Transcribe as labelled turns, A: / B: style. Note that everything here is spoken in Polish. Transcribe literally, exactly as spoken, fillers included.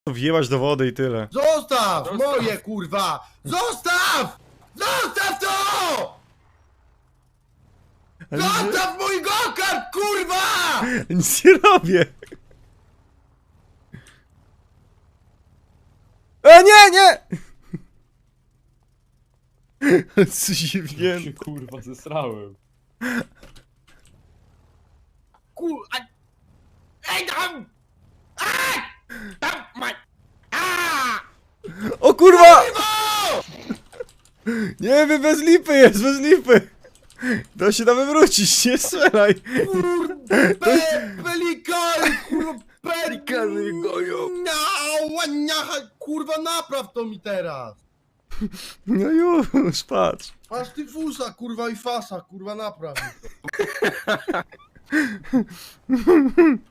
A: To wjebać do wody i tyle.
B: Zostaw!
C: Zostaw.
B: Moje, kurwa! Zostaw! Zostaw to!
A: Ale
B: Zostaw mój gokart, kurwa!
A: nic nie robię. E, nie, nie! Co się wzięło?
C: się kurwa zesrałem.
B: Kur... a- Ej tam! A! Tam, ma... A!
A: O kurwa!
B: Kurwo!
A: Nie wiem, bez lipy jest, bez lipy! To się da wywrócić, nie strzelaj!
B: Kurde, pe, pelikany, kurwa,
C: Pelikany mnie gonią.
B: Kurwa, napraw to mi teraz!
A: No już, patrz.
B: Masz ty fusa, kurwa, i fasa, kurwa, napraw mi to.